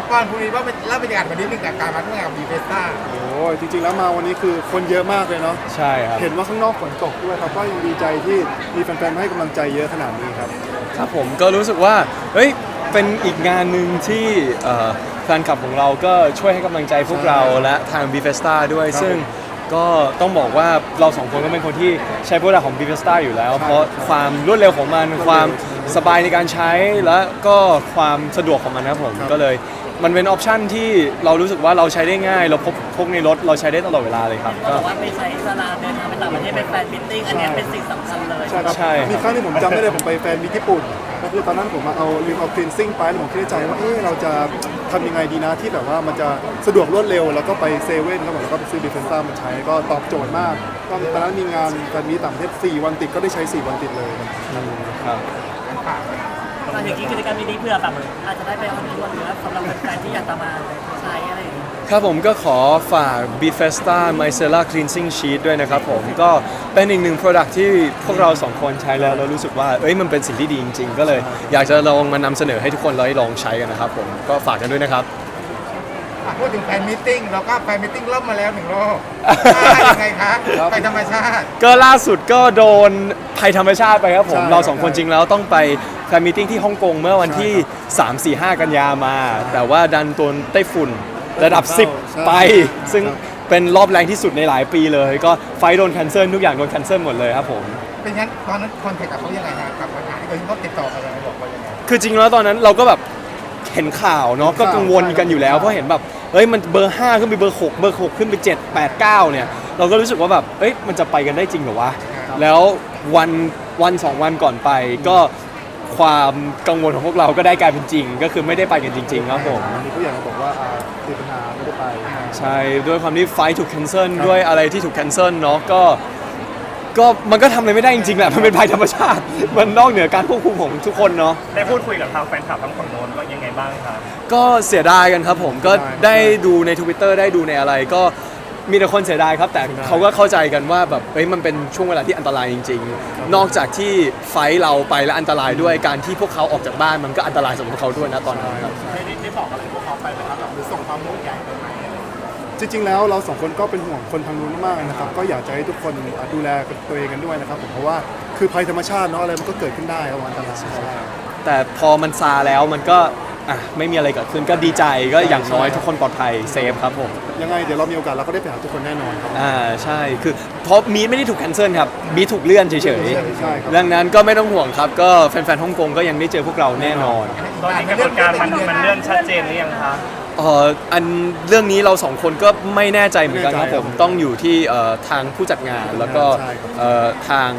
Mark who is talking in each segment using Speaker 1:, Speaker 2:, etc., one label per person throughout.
Speaker 1: ก่อนคุณมีว่าเป็นเล่าบรรยากาศวันนี้หนึ่งกับการมาร่วมงานกับบีเฟสต้า
Speaker 2: โอ้ยจริงๆแล้วมาวันนี้คือคนเยอะมากเลยเนาะ
Speaker 3: ใช่ครับ
Speaker 2: เห็นว่าข้างนอกฝนตกด้วยครับก็ยังดีใจที่มีแฟนๆให้กำลังใจเยอะขนาดนี้ครับ
Speaker 3: ครับผมก็รู้สึกว่าเฮ้ยเป็นอีกงานหนึ่งที่แฟนคลับของเราก็ช่วยให้กำลังใจพวกเราและทาง b f e s t a ด้วยซึ่งก็ต้องบอกว่าเราสองคนก็เป็นคนที่ใช้โปรดักต์ของ b f e s t a อยู่แล้วเพราะความรวดเร็วของมันความสบายในการใช้และก็ความสะดวกของมันนะครับผมก็เลยมันเป็นออปชันที่เรารู้สึกว่าเราใช้ได้ง่ายเราพกในรถเราใช้ได้ตลอดเวลาเลยครับ
Speaker 4: ก็บอกว่าไปใช้สลาเดินทางไปต่างประเทศไปแฟนมิทติ้งอันนี้เป็นสิ่งสำคัญเลย
Speaker 2: ใช่ครับมีครั้งที่ผมจำได้เลยผมไปแฟนมิตรญี่ปุ่นก็คือตอนนั้นผมมาลืมเอาคลีนซิ่งไปแล้วผมคิดในใจว่าเราจะทำยังไงดีนะที่แบบว่ามันจะสะดวกรวดเร็วแล้วก็ไปเซเว่นครับผมแล้วก็ไปซื้อดิเฟนซ่ามาใช้ก็ตอบโจทย์มากก็ตอนนั้นมีงานแฟนมิตรต่างประเทศ4 วันติดก็ได้ใช้4 วันติดเลย
Speaker 3: ครับ
Speaker 4: ตอนอย่างนี้กิจกรรมนี้เพื่อแบบอาจจะได้ไปออนทัวร์หรือว่าสำหรับแฟนที่อยากจะมาใช้อะไรอย่างเงี้ย
Speaker 3: ครับผมก็ขอฝาก b f e s t a Micellar Cleansing Sheet ด้วยนะครับผมก็เป็นอีกหนึ่ง Product ที่พวกเราสองคนใช้แล้วเรารู้สึกว่ามันเป็นสิ่งที่ดีจริงๆก็เลยอยากจะลองมานำเสนอให้ทุกคนได้ลองใช้กันนะครับผมก็ฝากกันด้วยนะครับ
Speaker 1: พูดถึงแฟนมิทติ้งเราก็แฟนมิทติ้งเริ่มมาแล้ว1 รอบยังไงคะไปธรรมชาติ
Speaker 3: ก็ล่าสุดก็โดนภัยธรรมชาติไปครับผมเราสองคนจริงแล้วต้องไปแฟนมิทติ้งที่ฮ่องกงเมื่อวันที่ 3-4-5 กันยามาแต่ว่าดันโดนไต้ฝุ่นระดับ 10 ไปซึ่งเป็นรอบแรงที่สุดในหลายปีเลยก็ไฟโดนแคนเซิลทุกอย่างโดนแคนเซิลหมดเลยครับผม
Speaker 1: เป็นงั้นตอนนั้นคอนแทคกับเขายังไงฮะกับปัญหาที่เขาติดต่อมาบอกว่ายังไง
Speaker 3: คือจริงแล้วตอนนั้นเราก็แบบเห็นข่าวเนาะก็กังวลกันอยู่แล้วเพราะเห็นแบบมันเบอร์5ขึ้นไปเบอร์6เบอร์6ขึ้นไป7 8 9เนี่ยเราก็รู้สึกว่าแบบมันจะไปกันได้จริงเหรอวะแล้ววัน2 วันก่อนไปก็ความกังวลของพวกเราก็ได้กลายเป็นจริงก็คือไม่ได้ไปกันจริงๆครับผม
Speaker 2: มีผู้ใหญ่มาบอกว่าติดปัญหาไม่ได้ไป
Speaker 3: ใช่ด้วยความที่ไฟถูกแคนเซิลด้วยอะไรที่ถูกแคนเซิลเนาะก็มันก็ทำอะไรไม่ได้จริงๆแหละมันเป็นภัยธรรมชาติมันนอกเหนือการควบคุมของทุกคนเนาะ
Speaker 4: ได้พูดคุยกับทางแฟนคลับทั้งฝั่งโน้นว่ายังไงบ้างครับ
Speaker 3: ก็เสียดายกันครับผมก็ได้ดูใน Twitter ได้ดูในอะไรก็มีแต่คนเสียดายครับแต่เขาก็เข้าใจกันว่าแบบมันเป็นช่วงเวลาที่อันตรายจริงๆนอกจากที่ไฟเราไปและอันตรายด้วยการที่พวกเขาออกจากบ้านมันก็อันตรายสำหรับเขาด้วยนะตอนนั้นครับ
Speaker 1: ได้บอกอะไรพวกเขาไปไหมครับหรือส่งความห่วงใยไปไหม
Speaker 2: จริงๆแล้วเรา2 คนก็เป็นห่วงคนทางนู้นมากนะครับก็อยากจะให้ทุกคนดูแลตัวเองกันด้วยนะครับผมเพราะว่าคือภัยธรรมชาติเนาะอะไรมันก็เกิดขึ้นได้ครับอันตราย
Speaker 3: แต่พอมันซาแล้วมันก็ไม่มีอะไรเกิดขึ้นก็ดีใจก็อย่างน้อยทุกคนปลอดภัยเซฟครับผม
Speaker 2: ยังไงเดี๋ยวเรามีโอกาสเราก็ได้ไปหาทุกคนแน่นอนครับ
Speaker 3: ใช่คือเพราะมีไม่ได้ถูกแคนเซิลครับมีถูกเลื่อนเฉยๆดังนั้นก็ไม่ต้องห่วงครับก็แฟนๆฮ่องกงก็ยังได้เจอพวกเราแน่นอน
Speaker 4: ตอนนี้กระบวนการมันเลื่อนชัดเจนหรือยังคะ
Speaker 3: อันเรื่องนี้เราสองคนก็ไม่แน่ใจเหมือนกันครับผมต้องอยู่ที่ทางผู้จัดงานแล้วก็ทาง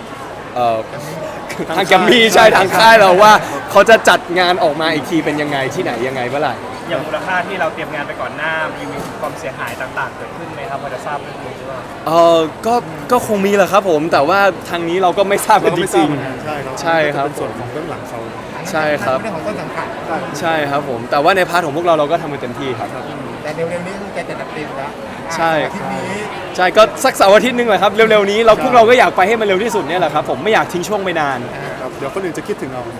Speaker 3: แกมมี่ใช่ทางค่ายเราว่าเขาจะจัดงานออกมาอีกทีเป็นยังไงที่ไหนยังไงเมื่อไหร่
Speaker 4: อย่างมูลค่าที่เราเตรียมงานไปก่อนหน้ามีความเสียหายต่างๆเกิดขึ้นไหมครับพอจะทราบเรื่องนี้หรือเปล่า
Speaker 3: ก็คงมีแหละครับผมแต่ว่าทางนี้เราก็ไม่ทราบกันจริง
Speaker 2: ๆ
Speaker 3: ใช่ครับ
Speaker 2: เป็นส่วนของเบื้องหลังเขา
Speaker 3: ใช่ครับ
Speaker 1: เรื่องของต้นสังกัด
Speaker 3: ใช่ครับผมแต่ว่าในพาร์ทของพวกเราก็ทำกันเต็มที่ครับ
Speaker 1: แต่เร็วๆนี้แกจะจัดเต็มแล้ว
Speaker 3: ใช่ใช่ก็สักเสาร์อาทิตย์นึงแหละครับเร็วๆนี้พวกเราก็อยากไปให้มันเร็วที่สุดเนี่ยแหละครับผมไม่อยากทิ้งช่วงไปนาน
Speaker 2: เดี๋ยวคนอื่นจะคิดถึงเรา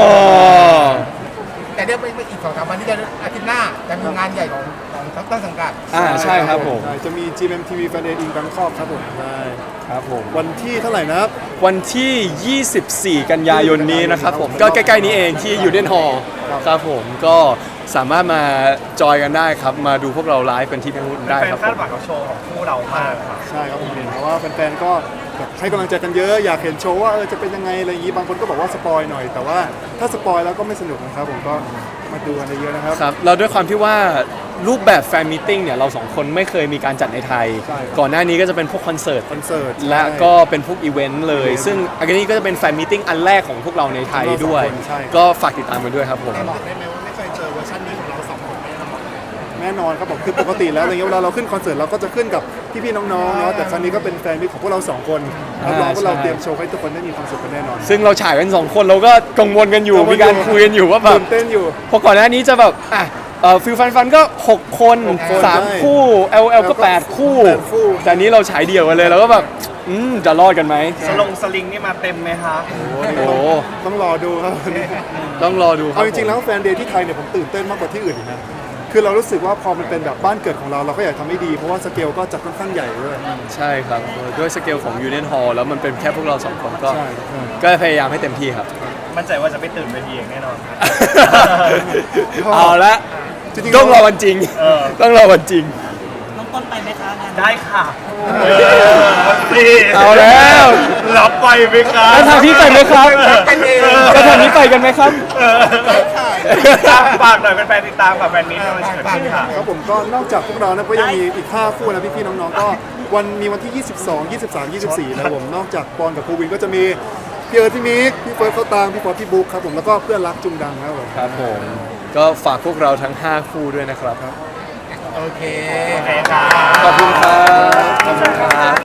Speaker 1: แต่เดี๋ยวไปอีก2-3 วันที่จะอาทิตย์หน้าจะมีงานใหญ่ของต้นสังกัด
Speaker 3: ใช่ครับผม
Speaker 2: จะมี GMMTV Fan Day in Bangkok ครับผมใช่
Speaker 3: ครับผม
Speaker 2: วันที่เท่าไหร่นะครับ
Speaker 3: วันที่ 24 กันยายนนี้นะครับผมก็ใกล้ๆนี้เองที่ยูเดนฮอลล์ครับผมก็สามารถมาจอยกันได้ครับมาดูพวกเราไลฟ์กันที่นู่นได้ครับ
Speaker 4: คาดหวังกับโชว์ของคู่เรามากครับ
Speaker 2: ใช่ครับผมเห็นเพราะว่าแฟนๆก็ให้กำลังใจกันเยอะอยากเห็นโชว์ว่าจะเป็นยังไงอะไรอย่างนี้บางคนก็บอกว่าสปอยหน่อยแต่ว่าถ้าสปอยแล้วก็ไม่สนุกนะครับผมก็มาดูกันเยอะนะครับ
Speaker 3: ครับเราด้วยความที่ว่ารูปแบบแฟนมีตติ้งเนี่ยเรา2 คนไม่เคยมีการจัดในไทยก่อนหน้านี้ก็จะเป็นพวกคอนเสิร์ตและก็เป็นพวกอีเวนต์เลยซึ่งอันนี้ก็จะเป็นแฟนมีตติ้งอันแรกของพวกเราในไทยด้วยก็ฝากติดตามกันด้วยครับผม
Speaker 1: บอกได้ไหมว่าไม่เคยเจอเวอร์ชันนี้ของเรา2 คน
Speaker 2: แน่นอนครับผมคือปกติแล้วอะไรเงี้ยเวลาเราขึ้นคอนเสิร์ตเราก็จะขึ้นกับพี่ๆน้องๆเนาะแต่ครั้งนี้ก็เป็นแฟนมิตรของพวกเรา2 คนรับรองว่าเราเตรียมโชว์ให้ทุกคนได้มีความสุขกันแน่นอน
Speaker 3: ซึ่งเราฉายกัน2 คนเราก็กังวลกันอยู่มีการคุยกันอยู่ว่าแบบ
Speaker 2: เต้นอยู่
Speaker 3: พอก่อนหน้านี้จะแบบฟิลฟันก็6 คน3 คู่ LL ก็8 คู่แต่นี้เราฉายเดี่ยวกันเลยเราก็แบบจะรอดกันไหม
Speaker 4: สลิงนี่มาเต็มไหมครับ
Speaker 3: โอ้
Speaker 2: ต้องรอดูครับ
Speaker 3: ต้องรอดูครับ
Speaker 2: จริงๆแล้วแฟนเดย์ที่ไทยเนี่ยผมตื่นเต้นมากกว่าที่อื่นอีกนะคือเรารู้สึกว่าพอมันเป็นแบบบ้านเกิดของเราเราก็อยากทำให้ดีเพราะว่าสเกลก็จัดค่อนข้างใหญ่ด้วย
Speaker 3: ใช่ครับด้วยสเกลของ Union Hall แล้วมันเป็นแค่พวกเราสองคนก็
Speaker 2: ใช่
Speaker 3: ก็พยายามให้เต็มที่ครับ
Speaker 5: มั่นใจว่าจะไม่ตื่นเวทีอย่างแน่นอน
Speaker 3: เอาละ
Speaker 2: จริงๆ
Speaker 3: ต้องรอวันจริง ต้องรอวันจริง
Speaker 4: น้องต้นไปไหมคะงาน
Speaker 5: ได้ค่ะ
Speaker 3: เอาแล้ว
Speaker 5: รับไปไหมครับ
Speaker 3: แล้วทางพี่ไปไหมครับ
Speaker 1: เป็นเอง
Speaker 3: แล้วทางนี้ไปกันไหมครับ
Speaker 5: ฝากหน่อยเป็นแฟนติดตามกับแฟนมิตรที่มันจะเกิดขึ้นค่ะ
Speaker 2: ครับผมก็นอกจากพวกเรานะก็ยังมีอีก5คู่นะพี่ๆน้องๆก็มีวันที่ 22 23 24นะครับผมนอกจากปอนกับภูวินก็จะมีพี่เอิร์ธพี่มิกพี่เฟิร์สเขาตางพี่ฟอสพี่บุ๊คครับผมแล้วก็เพื่อนรักจุงดังครับผม
Speaker 3: ครับผม ก็ฝากพวกเราทั้ง 5 คู่ด้วยนะครับ
Speaker 1: โอเค
Speaker 5: โอเคครับ
Speaker 3: ขอบคุณครับ ขอบคุณครับ